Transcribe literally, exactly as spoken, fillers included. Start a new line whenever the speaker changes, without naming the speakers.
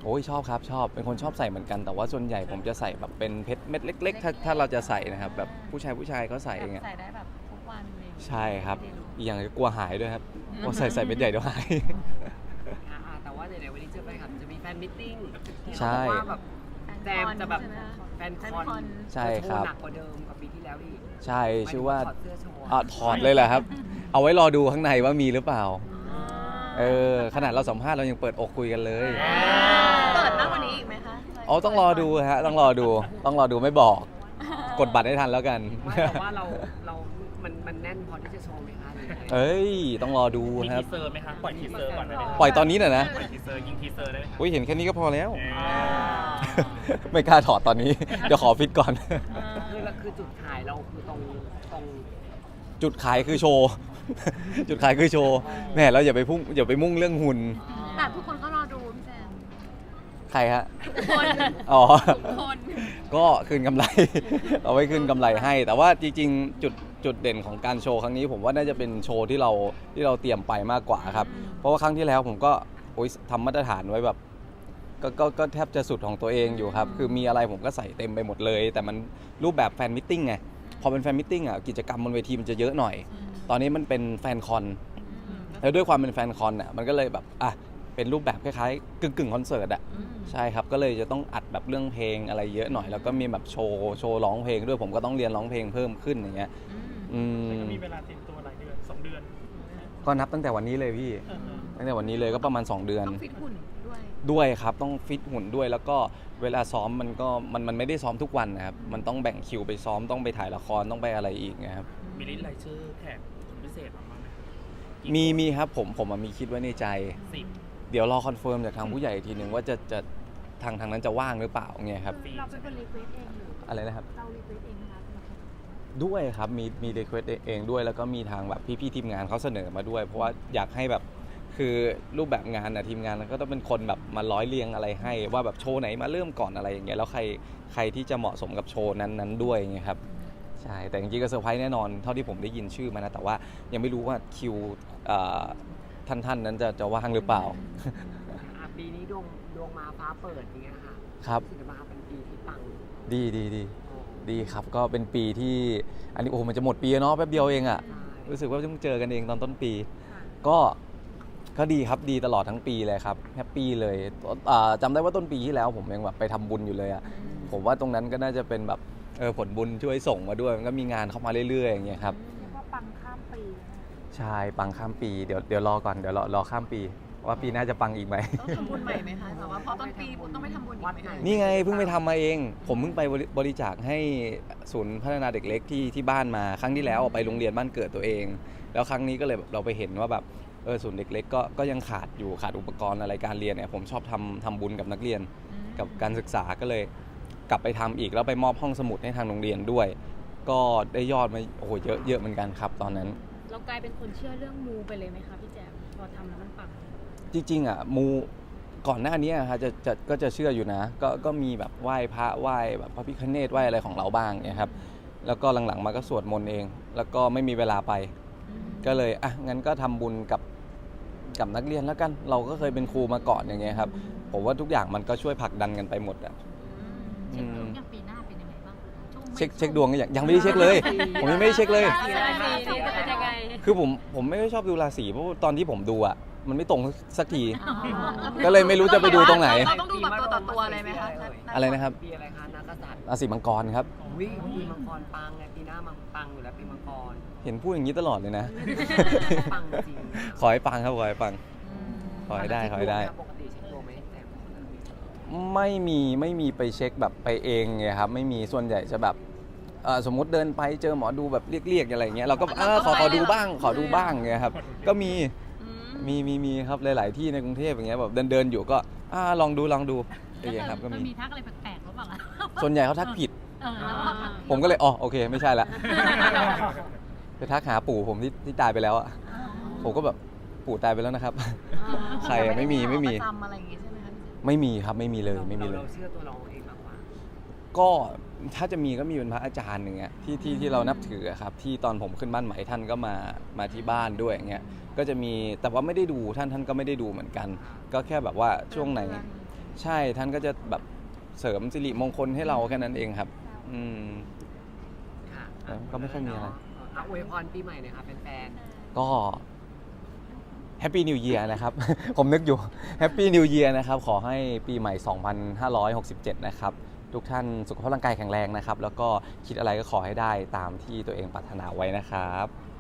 โอ้ยชอบครับชอบเป็นคนชอบใส่เหมือนกันแต่ว่าส่วนใหญ่ผมจะใส่แบบเป็นเพชรเม็ดเล็กๆถ้าถ้าเราจะใส่นะครับแบบผู้ชายผู้ชายเขาใส่
แบบ
เองอะ
ใส่ได้แบบทุกวันเลย
ใช่ครับอีกอย่างกลัวหายด้วยครับกลัวใส่ใส่เม็ดใหญ่เดี๋ยวหาย
อ่าแต่ว่าเดี๋ยววันนี้เจอไปครับจะมีแฟนมิทติ้งที่
ใช่
เขาบอกว่าแบบแจมจะแบบแฟนคอน
ใช่ครับ
โชว์หนักกว่าเดิมกับปีที่แล้วอีก
ใช่ชื่อว่า
ถอดเสื้อโชว์
อ่ะถอดเลยแหละครับ เอาไว้รอดูข้างในว่ามีหรือเปล่าเออขนาดเราสัมภาษณ์เรายังเปิดอกคุยกันเลย
เปิดมากกว่านี้อีกไหมคะ
อ๋อต้องรอดูฮะต้องรอดูต้องรอดูไม่บอกกดบัตรให้ทันแล้วกัน
ไม่แต่ว่าเราเรามันมันแน่นพอที่จะโชว์ไหมคะหรือไง
เอ้ยต้องรอดู
มี
ครั
ที
บ
เซอร์ไหมคะ ปล่อยทีเซอร์ก่อนได้ไหมคะ
ปล่อยตอนนี้น่ะนะ
ปล่อยทีเซอร์ยิงทีเซอร์ได้ไหมคะ
อุ้ยเห็นแค่นี้ก็พอแล้ว
เอ
อ่า
อ
ไม่กล้าถอดตอนนี้ เดี๋ยวขอฟิตก่อน
คือเราคือจุดขายเราคือตรงตรง
จุดขายคือโชว์ จุดขายคือโชว์แหมเราอย่าไปพุ่งอย่าไปมุ่งเรื่องหุ่น
แต่ทุกคนก็รอดูพี่แจม
ใครฮะ
ทุกคน
อ๋อ
ทุกคน
ก็คืนกำไร เอาไว้คืนกำไรให้ แต่ว่าจริงๆจุดจุดเด่นของการโชว์ครั้งนี้ ผมว่าน่าจะเป็นโชว์ที่เราที่เราเตรียมไปมากกว่าครับ เพราะว่าครั้งที่แล้วผมก็โอ๊ยทำมาตรฐานไว้แบบก็ก็ก็แทบจะสุดของตัวเองอยู่ครับ คือมีอะไรผมก็ใส่เต็มไปหมดเลย แต่มันรูปแบบแฟนมิทติ้งไงพอเป็นแฟนมิทติ้งอ่ะกิจกรรมบนเวทีมันจะเยอะหน่อย ตอนนี้มันเป็นแฟนคอน แล้วด้วยความเป็นแฟนคอนอ่ะมันก็เลยแบบอ่ะเป็นรูปแบบคล้ายๆกึ่งกึ่งคอนเสิร์ตอ่ะใช่ครับก็เลยจะต้องอัดแบบเรื่องเพลงอะไรเยอะหน่อยแล้วก็มีแบบโชว์โชว์ร้องเพลงด้วยผมก็ต้องเรียนร้องเพลงเพิ่มขึ้นอย่างเงี้ยอืม
มีเวลาเตรียมตัวหลายเดือนสองเดือน
ก็นับตั้งแต่วันนี้เลยพี่ตั้งแต่วันนี้เลยก็ประมาณสองเดือน
ต้องฟิตหุ่นด้วย
ด้วยครับต้องฟิตหุ่นด้วยแล้วก็เวลาซ้อมมันก็มันมันไม่ได้ซ้อมทุกวันนะครับมันต้องแบ่งคิวไปซ้อมต้องไปถ่ายละครต้องไปอะไรอีกนะครับ
มีลิสต์รายชื่อแขกคนพิเศษมาบ้างไหม
มีมีครับผมผมอะมีคิดไว้ในใจ
สิบ
เดี๋ยวรอคอนเฟิร์มจากทางผู้ใหญ่อีกทีหนึ่งว่าจะจะทางทางนั้นจะว่างหรือเปล่าเงี้ยครับ
เราเป็นคนรีเควสเองหรือ
อะไรนะครับ
เรารีเควสเองนะคะ
ด้วยครับมีมีรีเควสเองด้วยแล้วก็มีทางแบบพี่ๆทีมงานเขาเสนอมาด้วย เพราะว่าอยากให้แบบคือรูปแบบงานนะทีมงานก็ต้องเป็นคนแบบมาร้อยเรียงอะไรให้ ว่าแบบโชว์ไหนมาเริ่มก่อนอะไรอย่างเงี้ยแล้วใครใครที่จะเหมาะสมกับโชว์นั้นๆด้วยเงี้ยครับใช่แต่จริงๆก็เซอร์ไพรส์แน่นอนเท่าที่ผมได้ยินชื่อมานะแต่ว่ายังไม่รู้ว่าคิวเอ่อท่านๆนั้นจะจะว่างหรือเปล่า
อ่ะปีนี้ดวงดวงมาฟ้าเปิดอย่างเงี้ยค่ะ
ครับ
รู้สึกว่าเป็นปีที่ปัง
ดีดีดี
โอ้
ดีครับก็เป็นปีที่อันนี้โอ้โหมันจะหมดปีแล้วเนาะแป๊บเดียวเองอะ
ใช่
รู้สึกว่าเพิ่งเจอกันเองตอนต้นปี ก็ก็ดีครับดีตลอดทั้งปีเลยครับแฮปปี้เลยอ่าจำได้ว่าต้นปีที่แล้วผมยังแบบไปทำบุญอยู่เลยอะผมว่าตรงนั้นก็น่าจะเป็นแบบเออผลบุญช่วยส่งมาด้วยมันก็มีงานเข้ามาเรื่อยๆอย่างเงี้ยครับ
เรียกว่าปังข้ามปีนะ
ใช่ปังข้ามปีเดี๋ยวเดี๋ยวรอก่อนเดี๋ยวรอรอข้ามปี ว่าปีหน้าจะปังอีกไหม
ต้องทำบุญใหม่ไหมคะแต่ว่าพอต้นปีต้องไปทำบุญอีกไหมคะ
นี่ไงเพิ่งไปทำมาเอง ผมเพิ่งไปบริบริจาคให้ศูนย์พัฒนาเด็กเล็กที่ที่บ้านมาครั้งที่แล้วไปโรงเรียนบ้านเกิดตัวเอง แล้วครั้งนี้ก็เลยแบบเราไปเห็นว่าแบบเออศูนย์เด็กเล็กก็ก็ยังขาดอยู่ขาดอุปกรณ์อะไรการเรียนเนี่ยผมชอบทำทำบุญกับนักเรียนกับการศึกษาก็เลยกลับไปทำอีกแล้วไปมอบห้องสมุดให้ทางโรงเรียนด้วย ก็ได้ยอดมาโอ้โหเยอะเยอะเหมือนกันครับตอนนั้น
เรากลายเป็นคนเชื่อเรื่องมูไปเลยไหมคะพี่แจมพอทำแล้วมันปัง
จริงๆอ่ะมูก่อนหน้านี้อะฮะจะจะก็จะเชื่ออยู่นะก็ก็มีแบบไหว้พระไหว้แบบพระพิฆเนศไหว้อะไรของเราบ้างเนี่ยครับแล้วก็หลังๆมาก็สวดมนต์เอง แล้วก็ไม่มีเวลาไป ก็เลยอ่ะงั้นก็ทำบุญกับกับนักเรียนแล้วกันเราก็เคยเป็นครูมาก่อนอย่างเงี้ยครับผมว่าทุกอย่างมันก็ช่วยผลักดันกันไปหมดอ่ะ
เช็คดวงอย่างปีหน้าเป็นยังไงบ้างช่วง
เช็คเช็คดวงก็ยังยังไม่ได้เช็คเลย ผมยังไม่ได้เช็คเลย
ราศีจะเป็นยังไง
คือผมผมไม่ค่อยชอบดูราศีเพราะว่าตอนที่ผมดูอ่ะมันไม่ตรงสักที ก็เลยไม่รู้จะไปดูตรงไหน
เราต้องดูแบบตัวต่อตัวเลยไหมคะ
อะไรนะครับ
ปีอะไรคะนักกษัตริย์
ราศีมังกรครับ
วิปีมังกรปังไงปีหน้ามังปังอยู่แล้วปีมังกร
เห็นพูดอย่างนี้ตลอดเลยนะ
ปังจริง
ขอให้ปังครับขอให้ปังขอให้ได้ขอให้ได้
ปกติเช็คดวงไหมแต่
ไม่มีไม่มีไปเช็คแบบไปเองไงครับไม่มีส่วนใหญ่จะแบบเอ่อสมมุติเดินไปเจอหมอดูแบบเรียกๆอะไรอย่างเงี้ยเราก็เออขอขอดูบ้างขอดูบ้างเงี้ยครับก็มีมีมีมีครับหลาย ๆ ที่ในกรุงเทพอย่างเงี้ยแบบเดินเดินอยู่ก็อ่าลองดูลองดูอย่างเงี้ยครับก็มี
มีทักอะไรแปลกๆหรือเปล่าล่ะ
ส่วนใหญ่เขาทักผิด
เออแล้วก็ทัก
ผมก็เลยอ๋อโอเคไม่ใช่ละไปทักหาปู่ผมที่ที่ตายไปแล้วอ่ะผมก็แบบปู่ตายไปแล้วนะครับ ใครอะไม่มีไม่มี
ประจำอะไรอย่างงี้ใช่ไหมคะ
ไม่มีครับไม่มีเลยไม่มีเลย
เราเชื่อตัวเราเองมากกว่า
ก็ถ้าจะมีก็มีเป็นพระอาจารย์หนึ่งอะที่ที่ที่เรานับถืออะครับที่ตอนผมขึ้นบ้านใหม่ท่านก็มามาที่บ้านด้วยอย่างเงี้ยก็จะมีแต่ว่าไม่ได้ดูท่านท่านก็ไม่ได้ดูเหมือนกัน ก็แค่แบบว่าช่วงไหนใช่ท่านก็จะแบบเสริมสิริมงคลให้เราแค่นั้นเองครับ อืม
ค่ะ
แล้วก็ไม่ค่อยมีอะไร
อ่ะอวยพรปีใหม่หน่อยค่ะแฟน
ก็แฮปปี้นิว e ย r นะครับ ผมนึกอยู่แฮปปี้นิว e ย r นะครับ ขอให้ปีใหม่ สองพันห้าร้อยหกสิบเจ็ด นะครับ ทุกท่านสุขภาพร่างกายแข็งแรงนะครับ แล้วก็คิดอะไรก็ขอให้ได้ตามที่ตัวเองปรารถนาไว้นะครับ